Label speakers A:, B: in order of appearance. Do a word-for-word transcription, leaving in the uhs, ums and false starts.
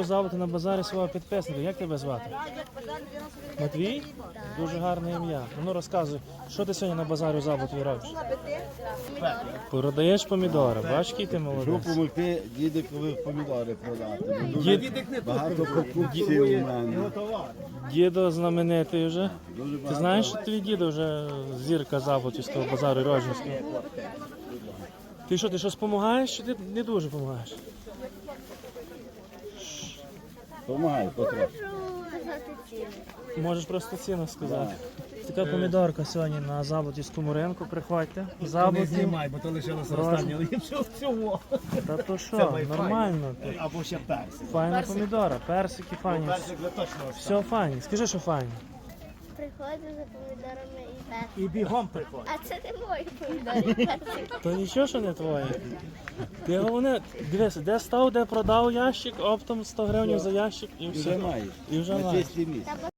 A: купив завод на базарі свого підписника. Як тебе звати? Матвій? Дуже гарне ім'я. Ну розказуй, що ти сьогодні на базарі у Заботові робиш? Продаєш помідори, бачиш, який ти молодець.
B: Щоб помогти дідикові помідори продати.
A: Дід-
B: Багато покупців у мене.
A: Дідо знаменитий вже.
B: Дуже
A: Ти
B: багато.
A: знаєш, що твій дідо вже зірка Заботівського базару Рожнівського? Ти що, ти щось допомагаєш, чи ти не дуже допомагаєш?
B: Помагай, потрохи.
A: Можеш просто ціну сказати. Така помідорка сьогодні на Заботівському ринку, приходьте. Заботів.
C: Знімай, бо то лишилося
A: Рожні.
C: останнє ліпше всього.
A: Та то
C: Це
A: що,
C: Wi-Fi.
A: нормально.
C: Або ще персик.
A: Файна помідора, персики файні.
C: Персик ви точно останнє.
A: Все файні. Скажи, що файні.
D: Приходжу за помідорами і персик.
C: І бігом приходить.
D: А це не мої помідори, персик.
A: То нічого, що не твоє. Ти головне, дивися, де став, де продав ящик, оптом сто гривень за ящик і
B: Вже
A: все.
B: маєш.
A: І вже
B: На
A: маєш.
B: чисті місце.